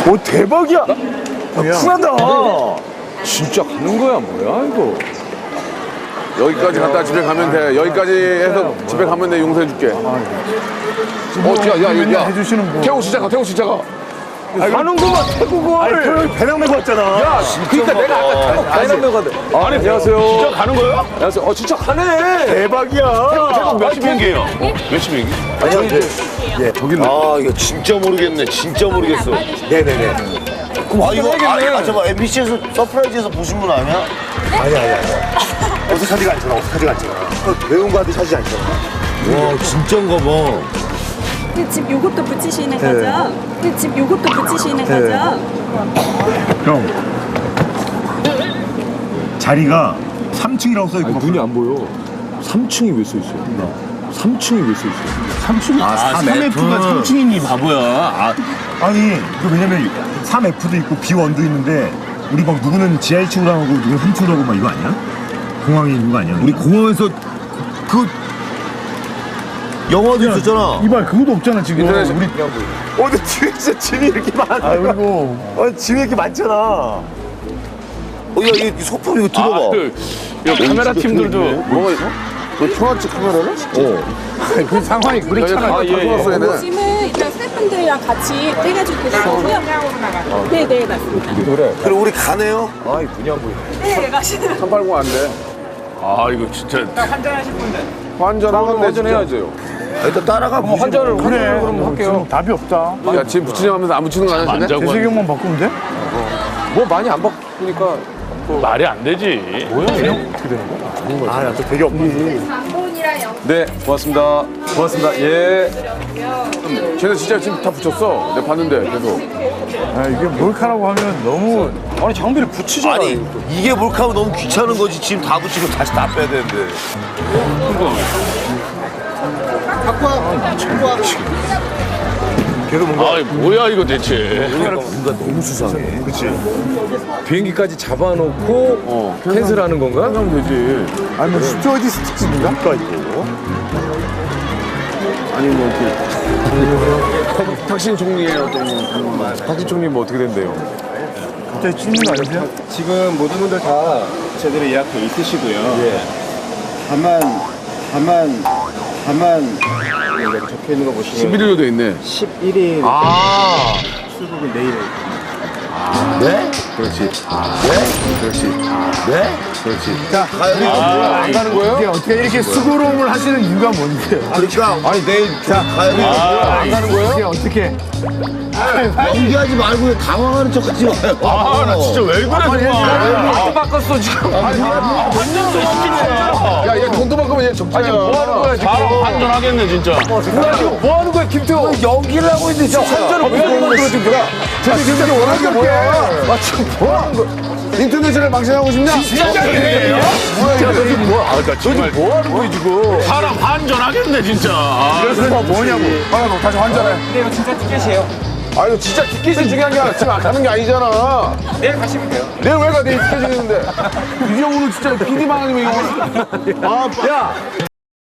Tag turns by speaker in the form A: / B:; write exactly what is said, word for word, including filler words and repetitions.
A: 오, 대박이야. 쿨하다.
B: 진짜 가는 거야 뭐야 이거?
C: 여기까지 갔다 집에 가면 돼. 여기까지 해서 집에 가면 돼. 용서해줄게. 어, 야, 야, 야, 야.
A: 해주시는 분.
C: 태국 시작가, 태국 시작가.
B: 가는구만 태국을.
A: 아니, 태국 배낭 메고 왔잖아.
B: 야, 그러니까 내가 아까 태국 가이드 가는데. 아니 안녕하세요. 진짜 가는 거예요? 안녕하세요. 어 진짜 가네.
A: 대박이야.
B: 태국 몇 시 비행기예요?
C: 몇 시 비행기?
A: 아니, 저기, 예.
D: 아 이거 진짜 모르겠네. 진짜 모르겠어.
A: 네네네.
D: 아 이거 아, 아 잠깐 엠비씨에서 서프라이즈에서 보신 분 아니야?
A: 아니, 아니, 아니. 어색하지가 않잖아, 어색하지가 않잖아. 외운 거 하듯이 하지 않잖아.
D: 와 진짜인가 봐.
E: 그 집 요것도 붙이시는 거죠? 그 집 요것도 붙이시는 거죠?
A: 형. 자리가 삼 층이라고 써있고.
B: 아니, 눈이 안 보여. 삼 층이 왜 써 있어요? 삼 층이 왜 써 있어요? 삼 층이
A: 아, 삼 에프가 삼 층이니 바보야. 아. 아니, 그 왜냐면 삼 에프도 있고 비 원도 있는데 우리 막 누구는 지하 일 층으로 하고 누구는 삼 층으로 하고 막 이거 아니야? 공항에 있는 거 아니야?
D: 우리 공항에서 그 영화도 있었잖아.
A: 이발 그것도 없잖아 지금.
C: 인터넷에
A: 우리 어, 근데 뒤에 진짜 짐이 이렇게 많아. 아, 그리고 어, 짐이 이렇게 많잖아.
D: 어, 야, 이 소품 이거 들어봐.
C: 아, 그, 이 카메라 팀들도 뭐가 있어? 너 통화치 카메라를? 어.
A: 그 상황이 그렇잖아.
C: 아, 예, 예. 얘네.
E: 짐은 일단 스태프분들이랑 같이 떼가지고 계시고요. 네, 네, 맞습니다.
D: 그럼 우리 가네요?
B: 아이 눈이 안 보이네.
E: 네, 가시는.
C: 삼팔공 안 돼. 아, 이거 진짜. 환전하실 분들. 환전하면 돼,
B: 환전해야죠.
D: 일단 따라가 보시죠.
B: 환전을
A: 그래,
B: 환전을 그럼 할게요.
A: 답이 없다.
C: 야, 지금 붙이려면서 안 붙이는 거 아니야? 쟤네?
A: 대세경만 바꾸면 돼?
B: 뭐 많이 안 바꾸니까
F: 말이 안 되지.
A: 아, 나 또 되게 없니.
B: 네 고맙습니다. 고맙습니다. 예.
C: 쟤네 진짜 지금 다 붙였어. 내가 봤는데, 계속.
A: 아, 이게 몰카라고 하면 너무.
B: 아니 장비를 붙이잖아.
D: 아니 이게 몰카면 너무 귀찮은 거지. 지금 다 붙이고 다시 다 빼야 되는데.
A: 계속 뭔가.
F: 아, 뭐야 이거 대체.
D: 뭔가 너무 수상해.
A: 그치.
B: 비행기까지 잡아놓고 어, 캔슬하는 건가?
C: 하면 되지.
A: 아니, 뭐, 스튜어디스 특집인가? 가 있고.
C: 아니, 뭐, 그. 탁신 총리의 어떤. 뭐,
B: 탁신 총리 뭐 어떻게 된대요?
A: 갑자기 찢는 거 아니세요?
G: 지금 모든 분들 다 제대로 예약돼 있으시고요. 다만, 다만, 다만 여기 적혀 있는 거 보시면
C: 십일 일로 돼 있네.
G: 십일 일
B: 아.
G: 출국은 내일에
D: 네?
C: 그렇지. 네? 그렇지. 네? 그렇지.
A: 자,
C: 아, 안 가는 거예요?
A: 이게 어떻게 이렇게 수고로움을 하시는 이유가 뭔데요?
D: 그러니까
C: 아니, 내일.
A: 자,
D: 가야 돼.
C: 안 가는 거예요?
A: 이게 어떻게.
D: 연기하지 말고 당황하는 척하지 마요.
F: 아, 나 진짜 왜 그래 정말.
B: 안 바꿨어 지금.
F: 완전 또 시키네.
C: 야, 얘 돈도 바꾸면 얘 적자야.
B: 뭐 하는 거야 지금?
F: 바로 환전하겠네 진짜.
B: 뭐야 지금 뭐 하는 거야 김태호?
D: 연기를 하고 있는데 진짜.
B: 환전을 왜 하는 거야 지금? 뭐야?
C: 쟤네 진짜 원하는 게 뭐야? 아, 지금 뭐 하는 거야? 인터넷을 망신하고 싶냐?
F: 진짜예요?
C: 뭐야, 이게?
B: 뭐? 아, 나 정말 뭐 하는 거야 지금?
F: 사람 환전하겠네 진짜. 아,
A: 그래서 뭐냐고.
C: 아, 너 다시 환전해. 근데 이거 진짜 티켓이에요. 아, 이거 진짜 티켓이 중요한 게 아니라 지금 가는 게 아니잖아. 내일 가시면 돼요. 내일 왜 가? 내일 티켓이 있는데. 이 형우는 진짜 피디만 아니면 이거. 아,
B: 야.